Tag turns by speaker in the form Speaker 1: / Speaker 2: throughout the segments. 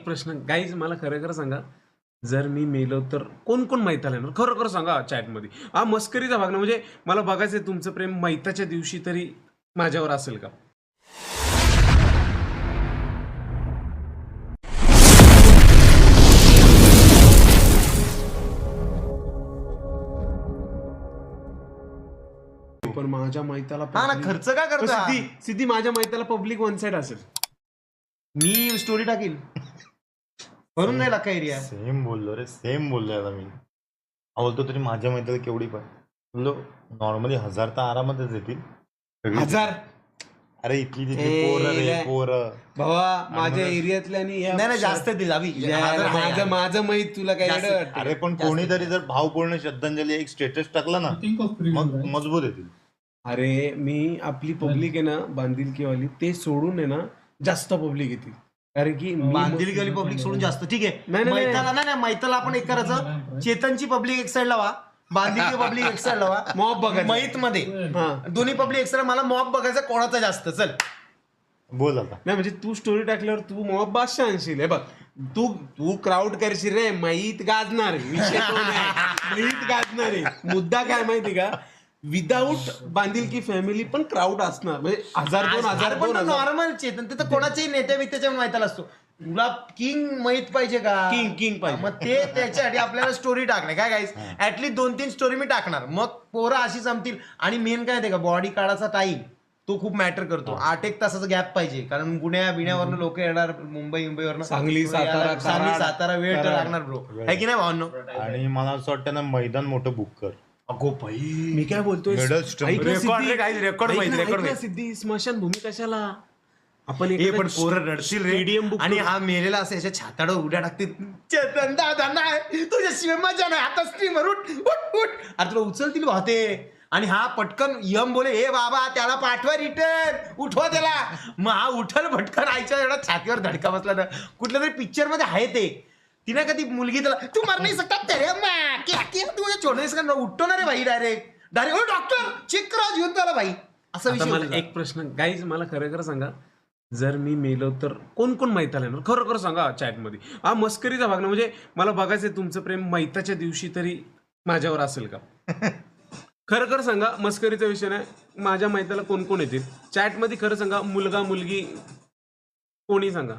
Speaker 1: प्रश्न गाईज, मला खरं खरं सांगा, जर मी मेलो तर कोण कोण मैताला येणार? खरं खरं सांगा चॅटमध्ये. हा मस्करीचा भाग ना, म्हणजे मला बघायचंय तुमचं प्रेम मैताच्या दिवशी तरी माझ्यावर असेल का? पण माझ्या मैताला
Speaker 2: हा ना, खर्च काय करतो हा?
Speaker 1: सिद्धी माझ्या मैताला पब्लिक वन साइड असेल.
Speaker 2: मी स्टोरी टाकील भरून नाही लाका एरिया.
Speaker 3: सेम बोललो रे, सेम बोललोय आता मी. बोलतो तरी माझ्या मैत्रीला केवढी पण बोललो नॉर्मली 1000 तर आरामातच येतील. सगळी-
Speaker 1: 1000
Speaker 3: अरे इथली तिथली पोरं रे पोरं.
Speaker 1: भावा माझ्या एरियातल्या
Speaker 2: नाही जास्त दिल अभि.
Speaker 1: माझं माहित तुला काय
Speaker 2: जास्त.
Speaker 1: येडं वाटतं?
Speaker 3: अरे पण कोणीतरी जर भावपूर्ण श्रद्धांजली एक स्टेटस टाकला ना मग मजबूत येतील.
Speaker 1: अरे मी आपली पब्लिक आहे ना बांधिलकीवाली, ते सोडून आहे ना जास्त पब्लिक येतील. कारण की
Speaker 2: बांधील गेली पब्लिक सोडून जास्त ठीक आहे.
Speaker 1: नाही, नाही.
Speaker 2: मैताला नाही मैताला आपण एक करायचं, चेतनची पब्लिक एक साइड लावा, बांधील पब्लिक एक साइड लावा,
Speaker 1: मॉब बघायचं.
Speaker 2: मैत मध्ये दोन्ही पब्लिक एक साइड. मला मॉब बघायचं कोणाचा जास्त. चल
Speaker 3: बोल आता.
Speaker 1: नाही म्हणजे तू स्टोरी टाकल्यावर तू मॉब बादशाह आणशील. हे बघ, तू क्राऊड करशील रे, मैत गाजणार आहे. विषय तो नाही. मैत गाजणार आहे. मुद्दा काय माहिती का, विदाऊट बांधिलकी फॅमिली पण क्राऊड असणार. म्हणजे 1000-2000
Speaker 2: नॉर्मल चेतन तिथं कोणाच्याही नेत्या बित्याच्या मैताला असतो. तुला किंग माहित पाहिजे का?
Speaker 1: किंग पाहिजे.
Speaker 2: मग ते त्याच्यासाठी आपल्याला स्टोरी टाकणे काय गाईस. ऍटलीस्ट 2-3 स्टोरी मी टाकणार, मग पोरं अशी जमतील. आणि मेन काय ते का बॉडी काढायचा टाइम तो खूप मॅटर करतो. 8-1 तासाचा गॅप पाहिजे, कारण गुन्ह्या बिण्यावरनं लोक येणार, मुंबईवरनं
Speaker 1: सांगली सातारा
Speaker 2: वेळ तर लागणार ब्रो, है की नाही भावांनो?
Speaker 3: आणि मला असं वाटतं ना मैदान मोठं बुक कर.
Speaker 2: अगो भाई
Speaker 1: मी काय बोलतोय,
Speaker 3: Middle stump.
Speaker 1: ऐक ना
Speaker 2: रेकॉर्ड
Speaker 1: सिद्धी,
Speaker 2: रे guys, रेकॉर्ड
Speaker 1: ऐक
Speaker 2: माहिती,
Speaker 1: ना,
Speaker 2: रेकॉर्ड
Speaker 1: ऐक ना
Speaker 2: माहिती.
Speaker 1: सिद्धी, स्मशानभूमी कशाला? आपण
Speaker 2: हे पण पोरं रडतील रे.
Speaker 1: स्टेडियम बुक
Speaker 2: आणि हा मेलेला असं याच्या छाताडं उड्या टाकतील. चेतन दादा नाही तुझ्याशिवाय मजा नाही, आता स्ट्रीमर उठ उठ उठ. अरे तुला उचलतील वाहते. आणि हा पटकन यम बोले, हे बाबा त्याला पाठवा रिटर्न, उठवा त्याला. मग हा उठल भटकन आईच्या एवढा छातीवर धडका बसला ना. कुठल्या तरी पिक्चर मध्ये आहे ते, तिने कधी मुलगी त्याला तू मर नाही सकता तेरे माँ तू छोड़ नाही सकता, उठतो ना रे भाई डायरेक्ट ओ डॉक्टर चेक करा घेऊन त्याला भाई. असा
Speaker 1: आता
Speaker 2: विषय
Speaker 1: मला
Speaker 2: होता.
Speaker 1: एक प्रश्न गाईज, मला खरं खरं सांगा, जर मी मेलो तर कोण कोण मैताला येणार? खरं खरं सांगा चॅटमध्ये. हा मस्करीचा भाग ना, म्हणजे मला बघायचंय तुमचं प्रेम मैताच्या दिवशी तरी माझ्यावर असेल का? खरं खरं सांगा, मस्करीचा विषय नाही. माझ्या मैताला कोण कोण येतील चॅटमध्ये? खरं सांगा, मुलगा मुलगी कोणी सांगा.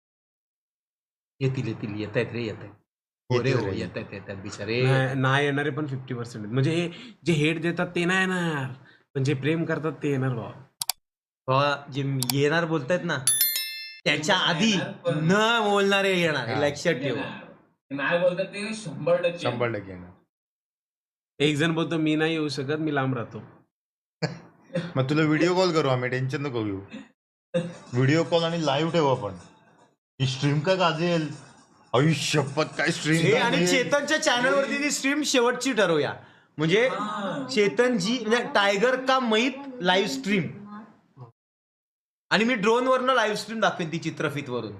Speaker 2: येतील येत आहेत रे, येत आहेत. हो रे, हो येत आहेत बिचारे.
Speaker 1: नाही येणारे पण 50% आहेत. म्हणजे हे जे हेट देतात ते नाही येणार, पण जे प्रेम करतात ते येणार भावा.
Speaker 2: बाबा जे येणार बोलतायत ना, त्याच्या आधी न बोलणारे येणार, हे लक्षात ठेव.
Speaker 4: नाही बोलतात ते 100%
Speaker 3: 100% येणार.
Speaker 1: एक जण बोलतो मी नाही येऊ शकत, मी लांब राहतो.
Speaker 3: मग तुला व्हिडिओ कॉल करू आम्ही, टेन्शन नको घेऊ. व्हिडिओ कॉल आणि लाईव्ह ठेवू आपण. ही स्ट्रीम का गाजेल, आयुष्यपत काय
Speaker 2: हे
Speaker 3: स्ट्रीम.
Speaker 2: आणि चेतनच्या चॅनल वरती ती स्ट्रीम शेवटची ठरवूया. म्हणजे चेतनजी म्हणजे टायगर का मैत लाईव्ह स्ट्रीम, आणि मी ड्रोन वरनं लाईव्ह स्ट्रीम दाखवेन ती चित्रफित वरून.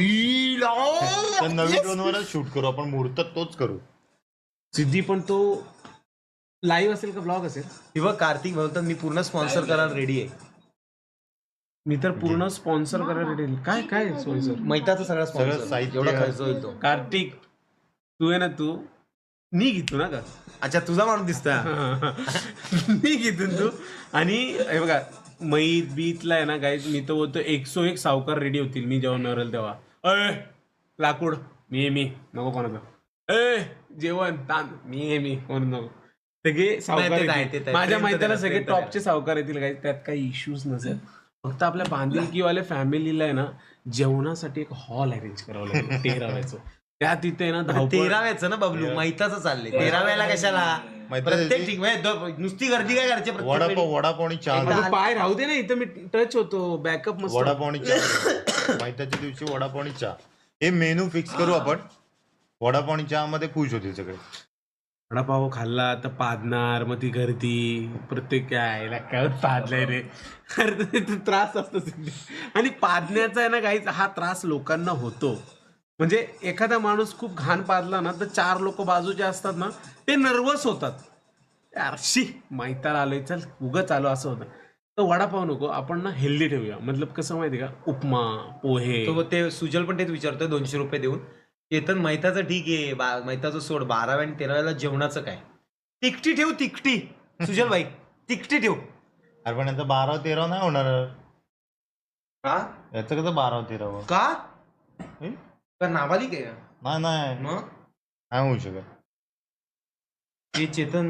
Speaker 3: नवीन ड्रोनवरच शूट करू आपण, मुहूर्तात तोच करू.
Speaker 1: सिद्धी पण तो लाईव्ह असेल का ब्लॉग असेल?
Speaker 2: हे बघ कार्तिक बोलतात मी पूर्ण स्पॉन्सर करायला रेडी आहे.
Speaker 1: मी तर पूर्ण स्पॉन्सर करायला रेडी आहे. काय काय स्पॉन्सर?
Speaker 2: मैताचा सगळा
Speaker 3: सगळं
Speaker 2: स्पॉन्सर,
Speaker 3: साहित्य.
Speaker 2: एवढा खर्च होईल तो.
Speaker 1: कार्तिक तू आहे ना, तू मी घेतो ना का?
Speaker 2: अच्छा तुझा माणूस दिसतोय.
Speaker 1: मी घेतो तू. आणि हे बघा, मैत बीतला आहे ना गाईज, मी तर बोलतो 101 सावकार रेडी होतील मी जेव्हा नरेल तेव्हा. अय लाकूड मी नको कोणाचं. जेवण ताण मी कोण नको. सगळे सावकार
Speaker 2: नाही, ते
Speaker 1: येतील.
Speaker 2: नाही.
Speaker 1: माझ्या मैत्याला
Speaker 2: ते
Speaker 1: सगळे
Speaker 2: नाही.
Speaker 1: टॉपचे सावकार येतील गाईज, त्यात काही इश्यूज नसेल. फक्त आपल्या बांधिलकीवाल्या फॅमिलीला आहे ना जेवणासाठी एक हॉल अरेंज करावं लागेल 13व्याचं. त्या तिथे ना
Speaker 2: 13व्याचं ना बबलू, मैताचं चाललंय. 13व्याला कशाला
Speaker 3: मैताचं
Speaker 2: प्रत्येक ठीक नुसती गर्दी काय करायची प्रत्येक
Speaker 3: वडापाव आणि चहा.
Speaker 1: पाय राहू दे ना, इथं मी टच होतो, बॅकअप मस्त.
Speaker 3: वडापाव आणि चहा. मैताच्या दिवशी वडापाव आणि चहा हे मेनू फिक्स करू आपण. वडापाव आणि चहा मध्ये खुश होतील सगळे.
Speaker 1: वडापाव खाल्ला तर पादणार, मग ती गर्दी प्रत्येक काय पादलाय रे. अरे तो त्रास असतो सिद्धी. आणि पादण्याचा आहे ना काहीच हा त्रास लोकांना होतो. म्हणजे एखादा माणूस खूप घाण पादला ना, तर 4 लोक बाजूचे असतात ना, ते नर्वस होतात. यार शी मैताला आलोय, चल उगच आलो असं होतं. तर वडापाव नको, आपण ना हेल्दी ठेवूया. मतलब कसं माहिती का, उपमा, पोहे.
Speaker 2: तो ते सुजल पण तेच विचारतोय 200 रुपये देऊन. चेतन मैताचं ठीक आहे, मैताचं सोड, 12व्या आणि 13व्याला जेवणाचं काय? तिकटी ठेव, तिकटी. सुजल भाई तिकटी ठेव.
Speaker 3: अरे पण याचं 12-13 नाही होणार.
Speaker 2: का?
Speaker 3: याचं कसं 12-13?
Speaker 2: का
Speaker 3: हे?
Speaker 2: का नाबालिक आहे का?
Speaker 3: नाही
Speaker 2: मग
Speaker 3: नाही होऊ शकत.
Speaker 2: हे चेतन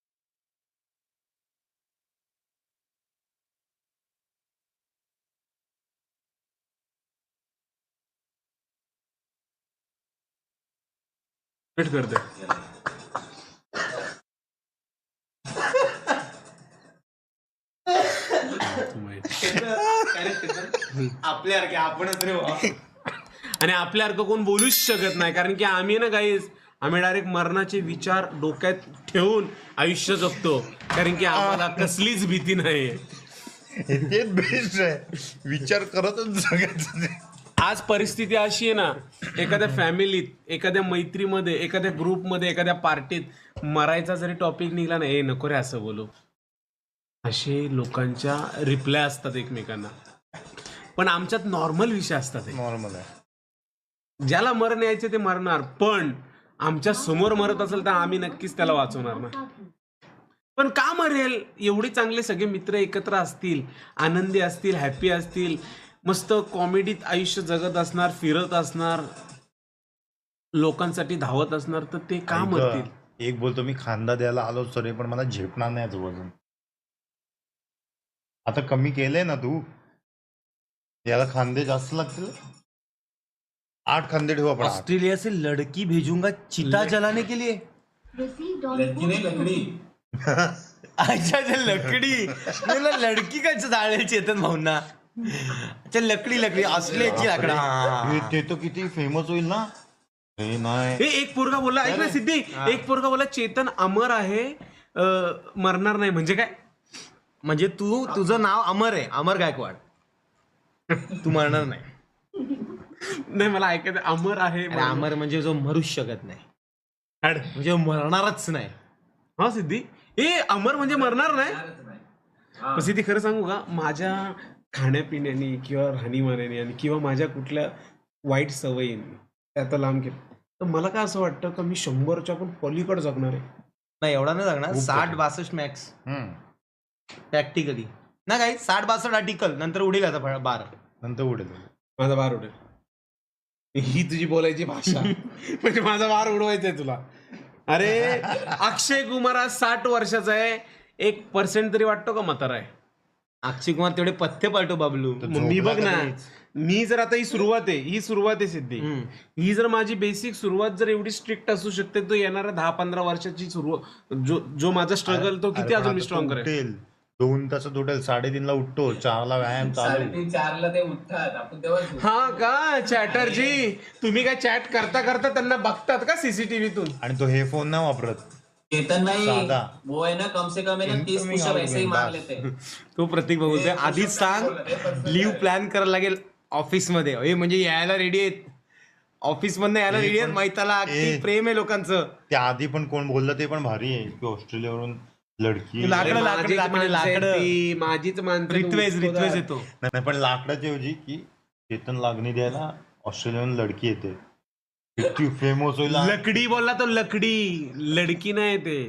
Speaker 1: वेट करते.
Speaker 2: आपल्यासारखे आपणच रे बाबा.
Speaker 1: आणि आपल्यासारखं कोण बोलूच शकत नाही, कारण की आम्ही ना गाईज, आम्ही डायरेक्ट मरणाचे विचार डोक्यात ठेवून आयुष्य जगतो, कारण की आम्हाला कसलीच भीती नाही.
Speaker 3: ते बेस्ट आहे, विचार करतच जगायचं ते.
Speaker 1: आज परिस्थिती अशी आहे ना, एखाद्या फॅमिलीत, एखाद्या मैत्रीमध्ये, एखाद्या ग्रुपमध्ये, एखाद्या पार्टीत मरायचा जरी टॉपिक निघाला ना, ए नको रे असं बोलू, असे लोकांच्या रिप्लाय असतात एकमेकांना. पण आमच्यात नॉर्मल विषय असतात.
Speaker 3: नॉर्मल आहे.
Speaker 1: ज्याला मरण यायचे ते मरणार, पण आमच्या समोर मरत असेल तर आम्ही नक्कीच त्याला वाचवणार ना. पण का मरेल? एवढे चांगले सगळे मित्र एकत्र असतील, आनंदी असतील, हॅपी असतील, मस्त कॉमेडीत आयुष्य जगत असणार, फिरत असणार, लोकांसाठी धावत असणार, तर ते का मरतील?
Speaker 3: एक बोलतो मी खांदा द्यायला आलो सॉरी, पण मला झेपणार नाही याचं वजन. आता कमी केलंय ना तू, याला खांदे जास्त लागतील. 8 खांदे ठेवू आपण. 8.
Speaker 2: ऑस्ट्रेलिया से लड़की भेजूंगा चिता जलाने के लिए.
Speaker 4: लड़की नाही लकडी.
Speaker 2: अच्छा लकडी. मला लडकी काय जाळेल चेतन भाऊंना. अच्छा लकडी ऑस्ट्रेलियाची लाकडा.
Speaker 3: ते तर किती फेमस होईल ना. हे नाही,
Speaker 1: हे एक पोरगा बोलला, ऐक ना सिद्धी, एक पोरगा बोलला चेतन अमर आहे, मरणार नाही. म्हणजे काय?
Speaker 2: म्हणजे तुझं नाव अमर आहे, अमर गायकवाड. तू मरणार नाही.
Speaker 1: नाही, मला ऐकायचं अमर आहे.
Speaker 2: अरे अमर म्हणजे जो मरूच शकत नाही,
Speaker 1: हाड.
Speaker 2: म्हणजे मरणारच नाही.
Speaker 1: हा सिद्धी, ए अमर म्हणजे मरणार नाही.
Speaker 4: हा.
Speaker 1: पण सिद्धी खरं सांगू का, माझ्या खाण्यापिण्याने किंवा राहणीमानाने आणि किंवा माझ्या कुठल्या वाईट सवयींनी त्यात लांब केलं, तर मला काय असं वाटतं का मी 100च्या पण पलीकडे जगणार आहे.
Speaker 2: नाही एवढा नाही जगणार.
Speaker 3: खूप
Speaker 2: 60-62 मॅक्स
Speaker 3: हम्म.
Speaker 2: प्रॅक्टिकली ना. काही 60-62 आर्टिकल नंतर उडेल आता बार.
Speaker 3: नंतर उडेल.
Speaker 1: माझा बार उडेल. ही तुझी बोलायची भाषा म्हणजे माझा बार उडवायचा आहे तुला. अरे अक्षय कुमार आज 60 वर्षाचा आहे, 1% तरी वाटतो का म्हातारा आहे?
Speaker 2: अक्षय कुमार तेवढे पथ्य पाठव बाबलू.
Speaker 1: मग मी बघ ना, मी जर आता ही सुरुवात आहे सिद्धी, ही जर माझी बेसिक सुरुवात जर एवढी स्ट्रिक्ट असू शकते, तर येणाऱ्या 10-15 वर्षाची सुरुवात जो माझा स्ट्रगल तो किती अजून मी स्ट्रॉंग करेल.
Speaker 3: उठेल 2 तासात उठेल, 3:30ला उठतो, 4ला व्यायाम चालू.
Speaker 4: 3:30-4ला ते उठतात, आपण तेव्हा
Speaker 1: हा का चॅटरजी, तुम्ही काय चॅट करता करता त्यांना बघतात का सीसीटीव्हीतून?
Speaker 3: आणि तो हे फोन नाही वापरत.
Speaker 4: चेतन नाही,
Speaker 3: साधा.
Speaker 4: वो है ना कम से कम है ना 30 पुशअप ऐसे ही मार लेते हैं.
Speaker 2: तो प्रतीक बोलतोय आधीच सांग लिव्ह प्लॅन करायला लागेल ऑफिसमध्ये. हे म्हणजे यायला रेडी आहेत, ऑफिस मधनं यायला रेडी आहेत. मैताला किती प्रेम आहे लोकांचं.
Speaker 3: त्या आधी पण कोण बोललं ते पण भारी आहे की ऑस्ट्रेलियावरून लडकी.
Speaker 2: लाकडं
Speaker 1: माझीच माणसं
Speaker 2: रित्वेज येतो.
Speaker 3: नाही पण लाकडाच्या ऐवजी की चेतन लागणी द्यायला ऑस्ट्रेलियावरून लडकी येते, किती फेमस होईल.
Speaker 1: लकडी बोलला तो, लकडी, लडकी नाही ते.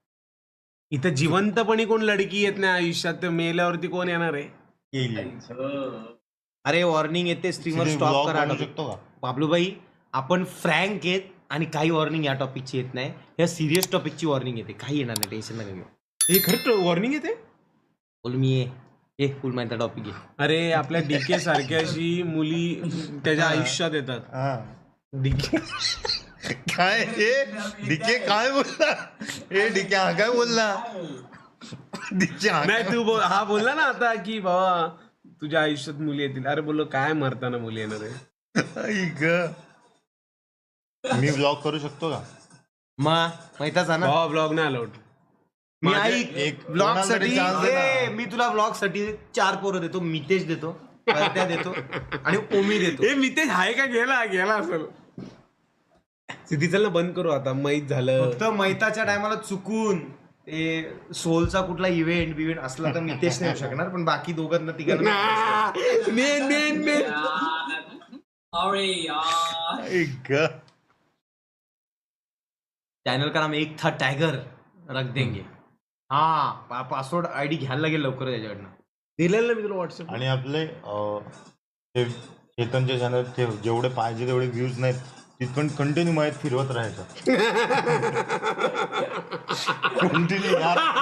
Speaker 1: इथं जिवंतपणी कोण लडकी येत नाही आयुष्यात, तर मेल्यावरती कोण येणार आहे?
Speaker 3: येईल.
Speaker 2: अरे वॉर्निंग येते, स्ट्रीमर स्टॉप
Speaker 3: Vlog
Speaker 2: करा.
Speaker 3: बनवू शकतो का?
Speaker 2: बाबलूबाई आपण फ्रँक आहेत आणि काही वॉर्निंग या टॉपिकची येत नाही. या सिरियस टॉपिकची वॉर्निंग येते, काही येणार नाही, टेन्शन नका घेऊ.
Speaker 1: हे खरं वॉर्निंग येते.
Speaker 2: बोल मी ये फुल माहिती टॉपिक आहे.
Speaker 1: अरे आपल्या डीके सारख्याशी मुली त्याच्या आयुष्यात येतात.
Speaker 3: हा.
Speaker 1: डीके
Speaker 3: काय हे डीके काय बोलला? हे डीके हा काय बोलला? डीके हा
Speaker 1: नाही तू हा बोलला ना आता की बाबा तुझ्या आयुष्यात मुली येतील. अरे बोललो काय मरताना मुली येणार आहे?
Speaker 3: आई ग. मी व्लॉग करू शकतो का?
Speaker 2: माहिताच ना
Speaker 1: भावा ब्लॉग नाही अलाउड.
Speaker 2: मी
Speaker 3: एक
Speaker 2: ऐक ब्लॉग साठी
Speaker 3: chance दे ना.
Speaker 2: मी तुला ब्लॉग साठी 4 पोरं देतो. मितेश देतो, परत्या देतो आणि ओमी देतो.
Speaker 1: ए मी ते आहे का? गेला असेल. सिद्धी चल ना बंद करू आता, माहीत झालं.
Speaker 2: फक्त मैताच्या टायमाला चुकून ते सोलचा कुठला इव्हेंट असला तर मितेश नाही येऊ शकणार, पण बाकी दोघांना तिघांना
Speaker 1: मेन
Speaker 4: अरे यार
Speaker 3: एक
Speaker 2: चॅनल का नाम एक था टायगर रख देंगे. हा पासवर्ड आयडी घ्यायला लागेल लवकर त्याच्याकडनं.
Speaker 1: दिलेलं ना मी तुला व्हॉट्सअप.
Speaker 3: आणि आपले ते चेतनचे चॅनल ते जेवढे पाहिजे तेवढे व्ह्यूज नाहीत तिथपण कंटिन्यू माहीत फिरवत राहायचं. कंटिन्यू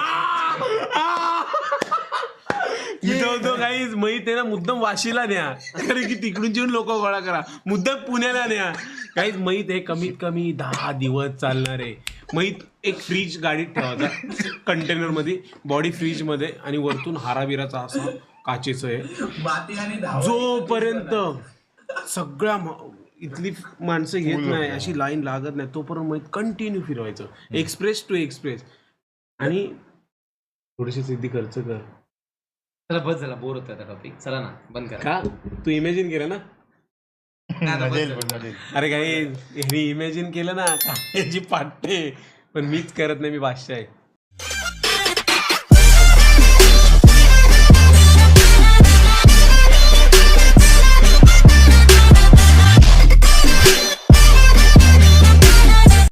Speaker 1: तो काही माहित आहे ना, मुद्दाम वाशीला न्या, कारण की तिकडून येऊन लोक गोळा करा, मुद्दाम पुण्याला न्या. काहीच माहित आहे कमीत कमी 10 दिवस चालणार आहे. माहित एक फ्रीज गाडीत ठेवायचा कंटेनर मध्ये, बॉडी फ्रीज मध्ये, आणि वरतून हाराबिराचा असा काचेचं आहे.
Speaker 4: माती आणि धावत
Speaker 1: जोपर्यंत सगळ्या इथली माणसं घेत नाही, अशी लाईन लागत नाही, तोपर्यंत माहित कंटिन्यू फिरवायचं एक्सप्रेस टू एक्सप्रेस. आणि थोडीशी सिद्धी खर्च कर.
Speaker 2: चला बस झाला, बोर होत टॉपिक. चला ना बंद करा.
Speaker 1: का तू इमॅजिन केलं ना? अरे काही ह्यानी इमॅजिन केलं ना, याची पाटते, पण मीच करत नाही, मी बादशाह आहे.